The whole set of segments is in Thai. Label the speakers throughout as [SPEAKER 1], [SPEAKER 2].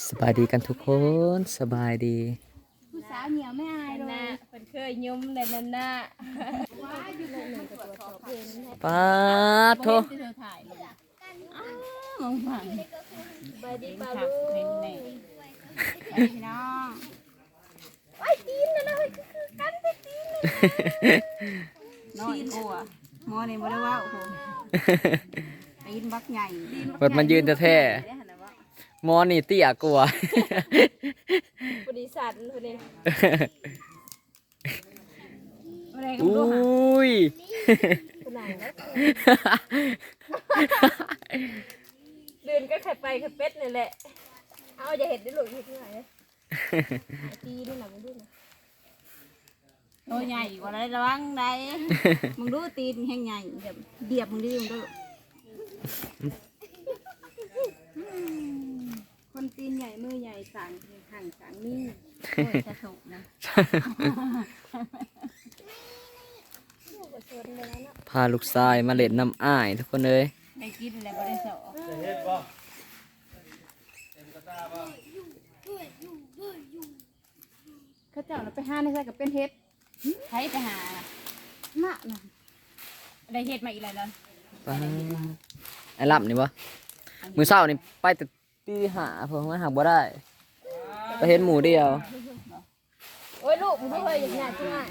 [SPEAKER 1] สบายดีกันทุกคนสบายดี
[SPEAKER 2] ผู้สาวเหนียวไม่อายเลยเป็นเคยยุ่มในนั้นน่ะว้าอยู่ในหนึ่งกับตัวเอง
[SPEAKER 1] ป้าโท
[SPEAKER 2] มองผ่านไปดีปลาลูกพี่น้องไอ้ตีนนะคือกันไปตีนน้อยกลัวมอนี่บ่ได้ว่าโอ้โหตีนบักใหญ่
[SPEAKER 1] เปิดมันยืนแท้มอนี่เตี้ยกลัว
[SPEAKER 2] บริษัทคนนี้
[SPEAKER 1] อุ้ย
[SPEAKER 2] เดินก็ไข่ไปไข่เป็ดนี่แหละเอาอย่าเห็นได้หลุดที่ไหนตีนี่นะมึงดูนะตัวใหญ่กว่าไรระวังได้มึงดูตีนแห้งใหญ่เดียบมึงดิมึงดูคนตีนใหญ่มือใหญ่สั่งห่างสั่งนี่โอ้ยจะถูกนะ
[SPEAKER 1] พาลูกชายมาเล่นน้ำอ้ายทุกคนเลย
[SPEAKER 2] ได้กินแล้วบ่ได้สอเขาเจ้าเราไปหาในใส่กับเป็นเฮ็ดใช้ไปหาหน้าน่ะได้เฮ็ดมาอีกแล้ว
[SPEAKER 1] ไอ้ลับนี่บ่มือเช้านี่ไปแต่ตีหาเพิ่งมาหาบ่ได้ไปเห็นหมูเดียว
[SPEAKER 2] โอ้ยลูกมึงเคยอย่างหยาดใช่ไหม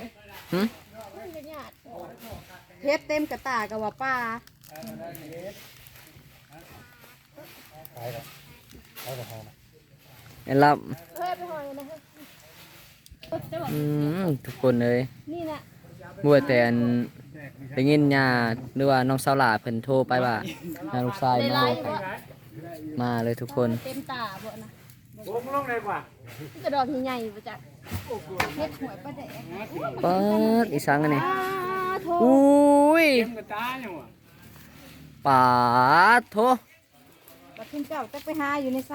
[SPEAKER 2] เฮ็ดเต็มกระตากับว่าป้า
[SPEAKER 1] ไอ้ลับทุกคนเลย
[SPEAKER 2] นี่นะ
[SPEAKER 1] บัวแต่ได้ยินญาหรือว่าน้องสาวหลาเพิ่นโทรไปว่าน้าลูกชายมาเลยทุกคน
[SPEAKER 2] เต็มตาบ่นะ
[SPEAKER 3] ลงเลยว่ะ
[SPEAKER 2] กระดอกใหญ่ๆบ่จักเฮ็ดหวยป้าแดก
[SPEAKER 1] เปิดอีสังอันนี้อุ้ยป่าโถ
[SPEAKER 2] บัดขึ้นเจ้าจะไปหาอยู่ในไส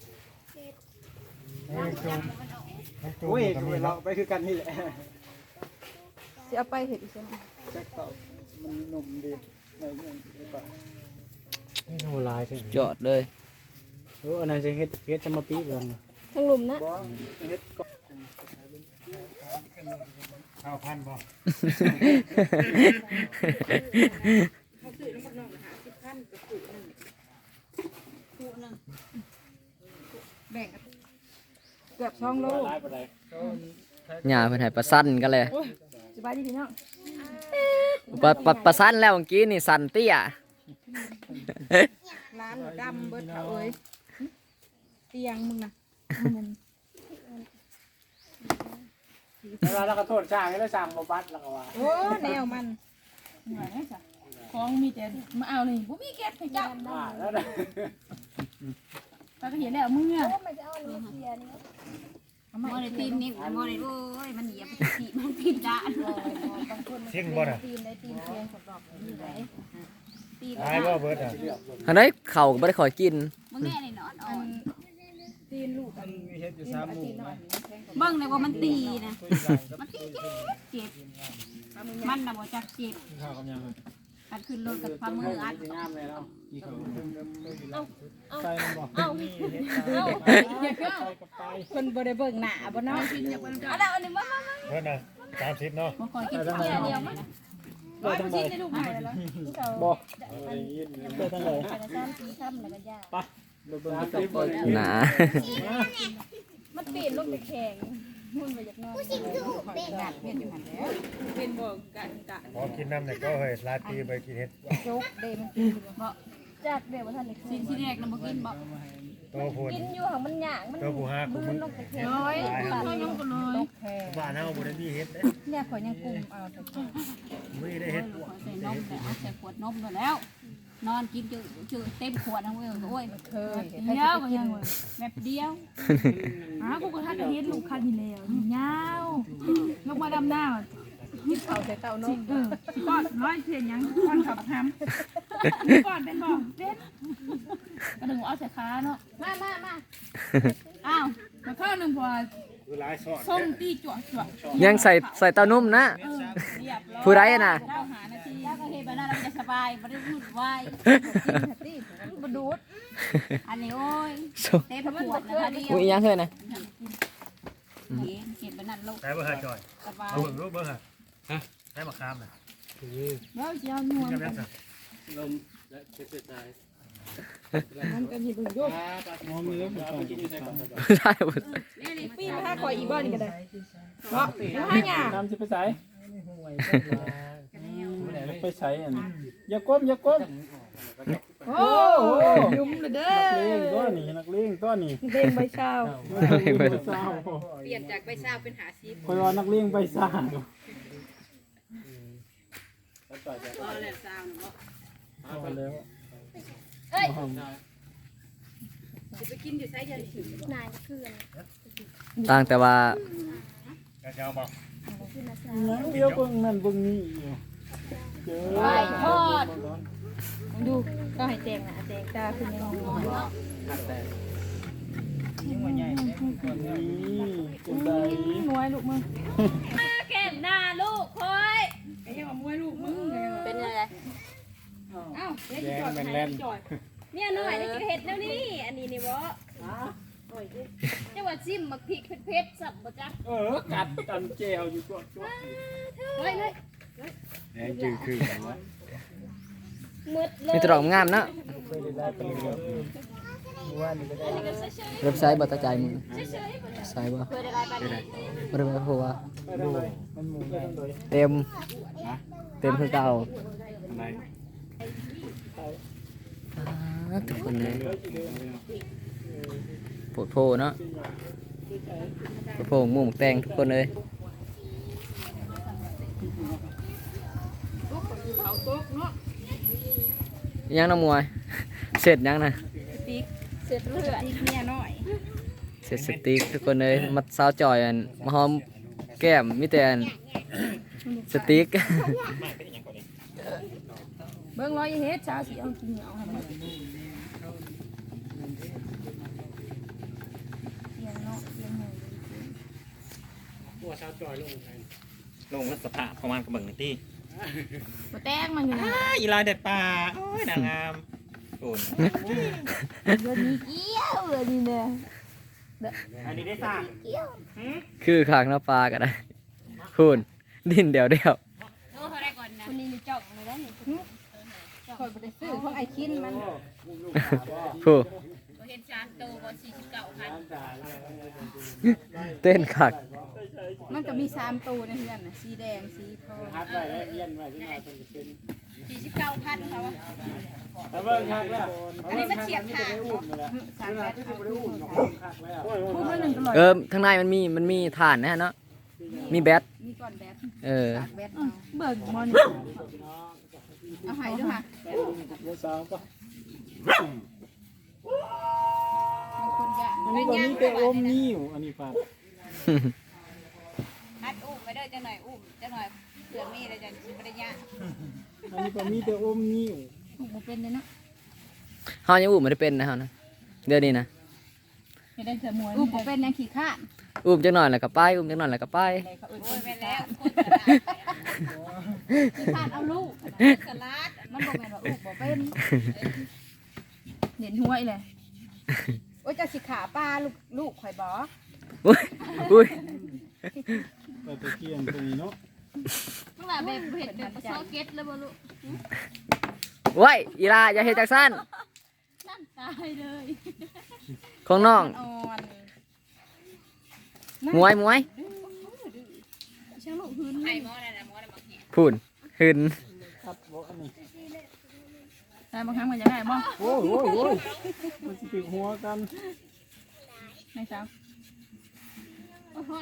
[SPEAKER 3] โอ้ยเราไปคือกันนี่แหละ
[SPEAKER 2] สิเอาไปเฮ็ดอีซั่น
[SPEAKER 3] แจ็คต่อมันหนุ่มดีในเมืองดีกว่านี่โหลายใช่
[SPEAKER 1] จอดเลย
[SPEAKER 3] อันนั้นจะเฮ็ดจะมาปีกกัน
[SPEAKER 2] ทั้งหลุมนะ
[SPEAKER 3] เฮ็ดก็ข้าวพันบ่
[SPEAKER 2] แบ่งเกือบ2 โล
[SPEAKER 1] หญ้าเพิ่นให้ประสันกันเลย
[SPEAKER 2] สบายดีพี่น้อง
[SPEAKER 1] ประสันแล้วเมื่อกี้นี่สันเตี้ย
[SPEAKER 2] ร้านดำเบิดเขาเอ้ยเตียงมึงนะ
[SPEAKER 3] แล้วก็โทษช่างแล้วช่างมาบัดแล้วก็ว่า
[SPEAKER 2] โอ้แนวมันของมีแต่มาเอานี่บ่มีเก็บให้เจ้า
[SPEAKER 3] แล้วนะ
[SPEAKER 2] ป้าก็เห็นแล้วมึงอ่ะมันจะเอาอันนี้เสียนี่มอในตีนนี่มอในโอ้ยมันเหยียบตีมันตีนด่าน
[SPEAKER 3] เสียงบ่น่ะ
[SPEAKER 2] ตีนได้ตีนเสียงสดอกอยู่ไหน
[SPEAKER 3] ตีนได้บ่เบิดอ่ะ
[SPEAKER 1] อันนี้เข่าก็บ่ได้ขอกิน
[SPEAKER 2] มึงแน่นี่นอนอ่อนตีนลูก
[SPEAKER 3] มันมีเฮ็ดอยู่3หมู่
[SPEAKER 2] เบิ่งเลยว่ามันตีนะมันตีเจ็บมันน่ะบ่จักเจ็บ
[SPEAKER 3] ข้าวกับยัง
[SPEAKER 2] อันขึ้นรถกับพามืออัด
[SPEAKER 3] งามเลยเนาะ
[SPEAKER 2] เอา
[SPEAKER 3] ใส่มันบ่
[SPEAKER 2] มีเฮ็ดคนบ่ได้เบิ่งหน้าบ่เนาะเอาแล้วอันนี้มา
[SPEAKER 3] เพิ่นน่ะ30เนาะ
[SPEAKER 2] บ่ขอกินเดียวมั้ยบ่ต้องกินในลูกใหม่แล้ว
[SPEAKER 3] บ่ได้ยินไปทางไหน
[SPEAKER 2] ไป3-4ค่ำแล้วก็ย่า
[SPEAKER 3] ไปเบิ่ง
[SPEAKER 1] หนา
[SPEAKER 2] มันปีนลงไปแข็งมุ่นไปจากนอกกัดเม็ดอยู่หันแล้วเป็นบ่กันกะ
[SPEAKER 3] พอกินน้ำเนี่ยก็เฮ้ยลาตีไปกินเห็ด
[SPEAKER 2] โจ๊กเดมันกินบ่จากเดี๋ยวท่านนี่สิ่งที่แรกนำบ่กินบ่
[SPEAKER 3] ตัวพูน
[SPEAKER 2] กินอยู่หังมันหยางมัน
[SPEAKER 3] ตัวผู้หาคุณมึง
[SPEAKER 2] ลงไปแข็งน้อยน้อยยังก็เลย
[SPEAKER 3] บ้านเฮาบ่ได้มีเห็ดเด้
[SPEAKER 2] เนี่ยข่อยยังกุมเอาแต่
[SPEAKER 3] มื้อได้เห็ด
[SPEAKER 2] ใส่นมแต่เอาใส่ขวดนมแล้วนอนกินจืดเต็มขวดนะเว้ยโอ้ยเคยเดียวก็ยังเว้ยแบบเดียวกูก็ทักเฮ็ดลูกคันนี่แล้วยาวลงมาดำหน้ากินข้าวใส่เต้านมก้อนร้อยเสียยังก้อนขับทำก้อนเป็นบ่เป็นกระดึงเอาใส่ขาเนาะมาอ้าวมาข้าวหนึ่งพอส้มตีจ่ว
[SPEAKER 1] ยังใส่เต้านุ่มนะผู้ใดน่ะ
[SPEAKER 2] หานาทีแล้วก็เฮ็ดแบบนั้นเราจะสบายไม่ได้พูดไว้บ่ดูดอันนี้โอ้ย
[SPEAKER 1] ส้ม
[SPEAKER 2] เต็มขวดนะคะเดียว
[SPEAKER 1] อุ้ยอีหยังเฮ้ยนะ
[SPEAKER 2] เก็บไปนั่นลูก
[SPEAKER 4] ใช้เบอร์หาจอย
[SPEAKER 2] สบาย
[SPEAKER 4] เอาเบิ่งรูปเบอร์หาใช้มะขามน่ะ
[SPEAKER 2] แล้วจะเอาหน่วย
[SPEAKER 4] จะเป็นสั
[SPEAKER 3] ลมและเจ็บใจ
[SPEAKER 2] มันกันที่บึงยก
[SPEAKER 3] มองมือผมกินอยู่ในกล่อง
[SPEAKER 1] ได้หมด
[SPEAKER 2] ปีมาห้าคอยอีบ้านนี่ก็ได้เนาะแล้วห้าหยา
[SPEAKER 3] น้ำจะไปใส่ไปใส่อันอย่าก้มอย่าก้ม
[SPEAKER 2] โอ้ยุ่มเลยเด้อ
[SPEAKER 3] นักเลงตัวนี้
[SPEAKER 2] เด้งใบเช้า
[SPEAKER 3] ใบซ่า
[SPEAKER 2] เปลี่ยนจากใบเช้าเป็นหาซีฟ
[SPEAKER 3] คอยว่านักเลงใบซ่า
[SPEAKER 2] อ๋อแหละเช้าเนาะ
[SPEAKER 3] เอาแล้ว
[SPEAKER 2] เอ้ยจะไปกินอยู่ไซส์เดียวนายคือ
[SPEAKER 1] ต่างแต่ว่า
[SPEAKER 4] จะเอาบอก
[SPEAKER 3] เดี๋ยวเบิ่งนั่นเบิ่งนี่อยู่เจอ
[SPEAKER 2] ไหวทอดดูก็ให้แตงนะแตงตาคือยังงงเนาะ
[SPEAKER 3] นี่เป็นได
[SPEAKER 2] มวยลูกมึงแก้มหน้าลูกคอยไอ้ยังมวยลูกมึงเป็นอะไรเอ้า
[SPEAKER 3] แยงแล่น
[SPEAKER 5] เนี่ยหน่อยนี่คือเห็ดแล้วนี่ อันนี้นี่บ่จังหวัดซิมมักพริกเผ็ดๆสับบ่จ๊ะ
[SPEAKER 3] กัดกันแจวอยู่ตัว
[SPEAKER 5] เฮ้ย
[SPEAKER 3] แหงจืดคือกันวะ
[SPEAKER 5] มืดเลย
[SPEAKER 1] มีแตรอกงามเนาะ
[SPEAKER 3] เคยได้ไปเลยว่านี่ก็ได้
[SPEAKER 1] เว็บไซต์บ่ตาใจมึงไซต์บ่
[SPEAKER 5] เคยได้ไรบ้างนี่
[SPEAKER 1] บ่ได้เพราะว่า
[SPEAKER 3] ดูมันหมุนได้เลย
[SPEAKER 1] เต็มคือเก่าทุกคนเลยโผล่โผล่เนาะโผล่หมูหมกแตงทุกคนเลย
[SPEAKER 2] เขาโต๊ะเนาะ
[SPEAKER 1] ยังน้ำมวย เสร็จยังนะ
[SPEAKER 2] ติ๊กเสร็จเลือดติ๊กเนี่ยน้อย
[SPEAKER 1] เสร็จสติ๊กทุกคนเลยมาสาวจอยอันมาหอมแก้มมิแต่อันสติ๊ก
[SPEAKER 2] เบิ่งร้อยเฮ็ดชาสิเอากินเอาให้มันเสียงเนาะเสียงหมู
[SPEAKER 3] ตัวชาวจอยลงไง
[SPEAKER 4] ลงแล้วสภาพประมาณกระเบื้องหนึ่งที่
[SPEAKER 2] บ่แตงมันอยู่นะ
[SPEAKER 4] อีลายเด็ดป่าโอ้ยนางงามโอ้ย
[SPEAKER 2] เดี๋ยวนี้เกี้ยวเลยนี่เนี่ย
[SPEAKER 4] อันนี้ได้สร้าง
[SPEAKER 1] คือขางหน้าปลาก็ได้คุณดินเดียว
[SPEAKER 5] โอ้เท่าไรก่อนนะคนนี้มีจ่องเลยได้นี่
[SPEAKER 2] คอยบ่ได้ซื้อของไอ้คินมัน
[SPEAKER 1] ผู้
[SPEAKER 5] บ่เห็นชานโตบ่49พัน
[SPEAKER 1] เต้นขัก
[SPEAKER 2] มันก็มี3ตัวในเฮือนน่ะสีแดงสีทอง
[SPEAKER 3] ฮัดไว้แล้วเอี้ยนไว้ที่มาเป็นเป็น
[SPEAKER 5] 49,000เขาว่า
[SPEAKER 3] แต่เบิ่งคักแล้ว
[SPEAKER 5] อันนี้มันเฉียบขาด
[SPEAKER 3] อุ้มแล้วที่จะไปอุ้มคักแล้ว
[SPEAKER 2] คู่ละ1ก็ร้อย
[SPEAKER 1] ข้างในมันมีถ่านนะฮะเนาะมีแบต
[SPEAKER 2] มีก่อนแบต
[SPEAKER 1] เออ
[SPEAKER 2] แบตเบิกมอนี่เอาให้ด้วยค่ะ
[SPEAKER 3] เดี๋ยวสาวก็
[SPEAKER 2] บางคนก็
[SPEAKER 3] อันนี้ก็มีแต่อมนิ้วอันนี้ฝาก
[SPEAKER 5] อัดอุ้มไปเด้อจังหน่อยอุ้มจังหน่อยเผื่อมีแล้วจังสิบ่ได้ยะ
[SPEAKER 3] อันนี้ก็มีแต่อมนิ้ว
[SPEAKER 2] บ่เป็นเลยเนาะ
[SPEAKER 1] เฮายังอุ้มไม่ได้เป็นนะเฮานะเดี๋ยวนี้นะ
[SPEAKER 2] ไม่ได้เสือมวยบ่เป็นยังขี้ข้าน
[SPEAKER 1] อุ้มจักหน่อยแล้วก็ไปอุ้มจักหน่อยแล้วก็ไป
[SPEAKER 5] โอ้ยแม่นแล้วคนตลาด
[SPEAKER 2] ขี้ข้านเอาลูก
[SPEAKER 5] ตลาด
[SPEAKER 2] มันบ่แม่นว่าลูกบ่เป็นเห็นห้วยเลยโอ้ยจะสิขาป้าลูกข่อยบ่
[SPEAKER 1] อุ้ยอุ้ย
[SPEAKER 3] ไปตะเกียงตรงนี้เนาะ
[SPEAKER 5] มึงล่ะแบบเห็ดแบบซอเก็ตแล้วบ่ลูก
[SPEAKER 1] โว้ยอีลาอย่าเฮ็ดจักซั่น
[SPEAKER 5] นั่นตายเลย
[SPEAKER 1] ของน้อง
[SPEAKER 2] อ่อน
[SPEAKER 1] มวย
[SPEAKER 2] ช่างลูกหืน
[SPEAKER 5] ไอ้หมอนั่นน่ะหมอน่ะมาเห็น
[SPEAKER 1] พูนหึน
[SPEAKER 3] ครับบ่อันนี้
[SPEAKER 2] ได้บางครั้งมันจะได้บ่
[SPEAKER 3] โอ้ยมันสิติดหัวกัน
[SPEAKER 2] ในสาว
[SPEAKER 5] โอ้โห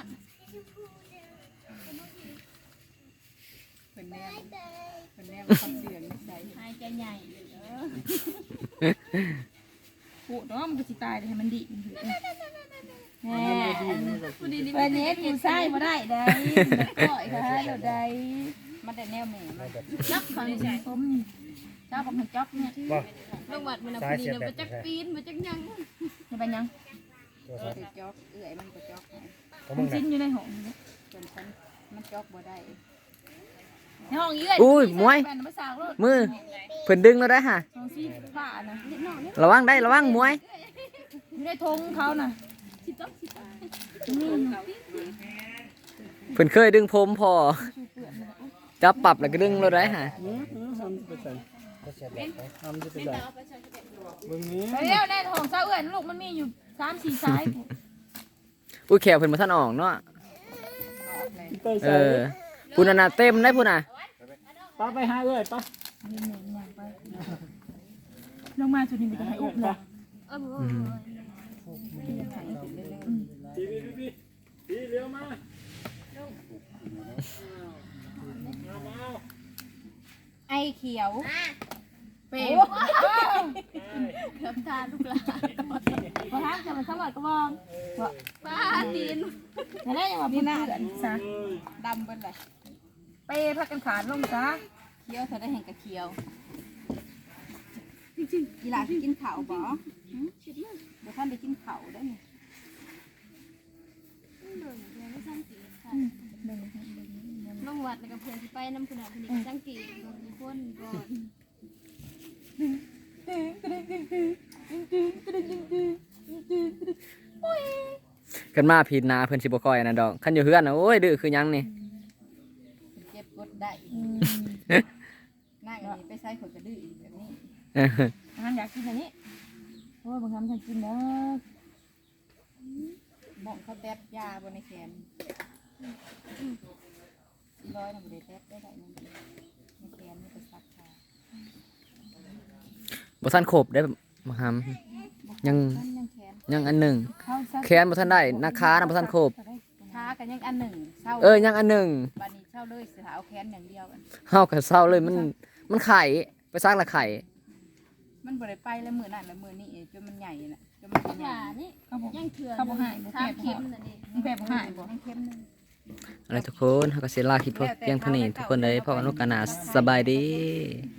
[SPEAKER 2] เป็นแนวความเสื่อมใส่
[SPEAKER 5] หายใจใหญ่
[SPEAKER 2] ปูเนาะมันก็สิตายให้มันดีแหม
[SPEAKER 5] ผู้ดีนี่
[SPEAKER 2] เป็นเฮ็ดอยู่ใส่บ่ได้ได้ก่อยค่ะเดี๋ยวได้มันได้แนวแม่มัน
[SPEAKER 5] จักเขานี่ใช่
[SPEAKER 2] ผมเจ้าบักให้จ๊อกเนี่ย
[SPEAKER 5] ลงวัดมันน่ะผู้ดีน่ะบ่จักปีนบ่จักหยัง
[SPEAKER 2] จะเป็นยัง
[SPEAKER 6] จอกเอื่อยมันก็จอก
[SPEAKER 2] มันสิ้นอยู่ในห้อง
[SPEAKER 6] จนฉันมันจอกบ่ได้
[SPEAKER 2] ในห้องเยื่อย
[SPEAKER 1] อุ้ยมวย
[SPEAKER 2] แฟนมาสาวรถ
[SPEAKER 1] มือเพิ่นดึงแล้วได้ฮะ
[SPEAKER 2] สองสี่ฝ่านะ
[SPEAKER 1] ระวังได้ระวังมวย
[SPEAKER 2] อยู่ในธงเขาน่ะ
[SPEAKER 1] เพิ่นเคยดึงผมพอจับปรับแล้วก็ดึงแล้วได้ฮะ
[SPEAKER 3] ทำจะไปใส่ทำจะไปใส่เบิ่งนี้
[SPEAKER 2] ไปเร็วในห้องเจ้าเอื้อยลูกมันมีอยู่3-4สาย
[SPEAKER 1] อุ้ยแขวเพิ่นบ่ทันออกเนาะ
[SPEAKER 3] เต้ย
[SPEAKER 1] เอ
[SPEAKER 3] ใส่
[SPEAKER 1] อพุ่นน่ะเต็มได้พุ่นน่ะ
[SPEAKER 3] ป้าไปหาเอ้ยป้า
[SPEAKER 2] ลงมาจุดนี้มันจะให้อุ้มเลย
[SPEAKER 3] พี่เลี้ยวมา
[SPEAKER 5] ไอเขียว
[SPEAKER 2] เป๋เกือบทานลูกหลานพอทานจะมันสวัสดิ์กระบอง
[SPEAKER 5] ป้าตีน
[SPEAKER 2] แต่ได้ยังว่าพี่น่าซะ
[SPEAKER 5] ดำเป็นไร
[SPEAKER 2] ไปพักกันขาดลงซะ
[SPEAKER 5] เขียวเธอได้เห็นกับเขียวกีฬากินข้าวบ่เดี๋ยวท่านได้กินข้าวได้ไหม
[SPEAKER 7] ลงวัดแล้วก็เพื่อนสิไปน้ำคุณอาคุณสังเกตบางคนก่อน
[SPEAKER 1] กันมาผิดนาเพิ่นสิบ่ค่อยอันนั้นดอกคันอยู่เฮือนน่ะโอ้ยดื้อคือหยังนี่
[SPEAKER 5] เก็บกดได้นั่งนี่ไปใส่ขนกระดื้ออีกแบบนี้
[SPEAKER 2] อาหารอยากกินอันนี้โอ้ยบางคำฉันกินแล้ว
[SPEAKER 5] มองเขาแตบยาบนในแขนร้อยนะบ่ได้แตบได้ได้นั่นในแขนนี่ไปซักผ้า
[SPEAKER 1] บ่ทันครบได้มาหำยัง
[SPEAKER 5] นั่นยังแขน
[SPEAKER 1] ยังอันหนึ่ง
[SPEAKER 2] ข้าวซัก
[SPEAKER 1] แขนบ่ทันได้นาขาน่ะบ่ทันครบ
[SPEAKER 5] ท้ากันยังอันหนึ่งเช่า
[SPEAKER 1] ยังอันหนึ่ง
[SPEAKER 5] บัดนี้เช่าเลยสิหาเอาแขนอย่างเดียวกัน
[SPEAKER 1] เฮาก็เศร้าเลยมันไข่ไปซักละไข่
[SPEAKER 5] มันบ่ได้ไปแล้วมือนั่นแล้วมือนี่จนมันใหญ่น่ะจนมันเป็น
[SPEAKER 7] อ
[SPEAKER 5] ใหญ่
[SPEAKER 7] ย่านี่
[SPEAKER 2] เขาบอก
[SPEAKER 7] ยังเถื่อน
[SPEAKER 2] เขาบอกหายบอก
[SPEAKER 7] ทา
[SPEAKER 2] แผล
[SPEAKER 7] เข็มนั่นเอง
[SPEAKER 2] แผลบอกหายบอก
[SPEAKER 5] ยังเข้มนึง
[SPEAKER 1] อะไรทุกคนเฮาก็สิลาคลิปเพียงเท่านี้ทุกคนเลยพบกันโอกาสหน้าสบายดี